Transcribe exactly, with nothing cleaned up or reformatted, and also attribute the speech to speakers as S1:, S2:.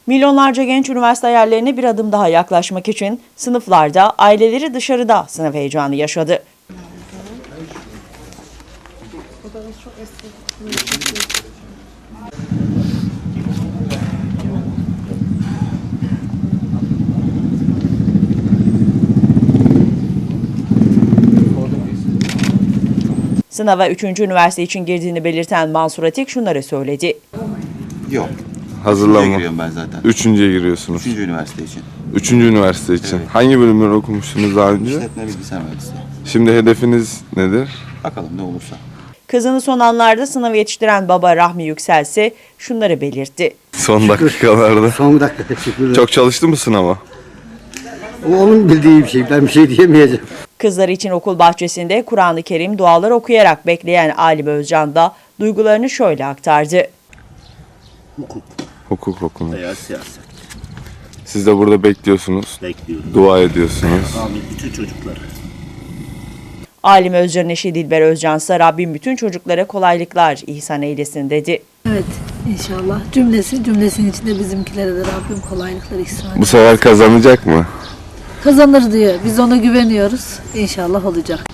S1: Milyonlarca genç üniversite hayallerine bir adım daha yaklaşmak için sınıflarda, aileleri dışarıda sınav heyecanı yaşadı. Sınava üçüncü üniversite için girdiğini belirten Mansur Atik şunları söyledi.
S2: Yok.
S3: Hazırlanma.
S2: Üçüncüye giriyorum ben zaten.
S3: Üçüncüye giriyorsunuz.
S2: Üçüncü üniversite için.
S3: Üçüncü üniversite için.
S2: Evet.
S3: Hangi bölümleri okumuştunuz daha önce?
S2: İşletme bilgisayar mühendisliği.
S3: Şimdi hedefiniz nedir?
S2: Bakalım ne olursa.
S1: Kızını son anlarda sınava yetiştiren baba Rahmi Yüksel ise şunları belirtti.
S3: Son dakikalarda.
S4: Son dakika teşekkürler.
S3: Çok çalıştı mı sınava?
S4: O onun bildiği bir şey. Ben bir şey diyemeyeceğim.
S1: Kızları için okul bahçesinde Kur'an-ı Kerim dualar okuyarak bekleyen Alim Özcan da duygularını şöyle aktardı.
S3: Hukuk okunu.
S5: Veya siyaset
S3: Siz de burada bekliyorsunuz.
S5: bekliyorum.
S3: Dua ediyorsunuz.
S5: Amin bütün çocukları.
S1: Alim Özcan'ın eşi Dilber Özcan ise Rabbim bütün çocuklara kolaylıklar ihsan eylesin dedi.
S6: Evet inşallah cümlesi cümlesinin içinde bizimkilere de Rabbim kolaylıklar ihsan etsin.
S3: Bu sefer kazanacak mı?
S6: Kazanır diyor. Biz ona güveniyoruz. İnşallah olacak.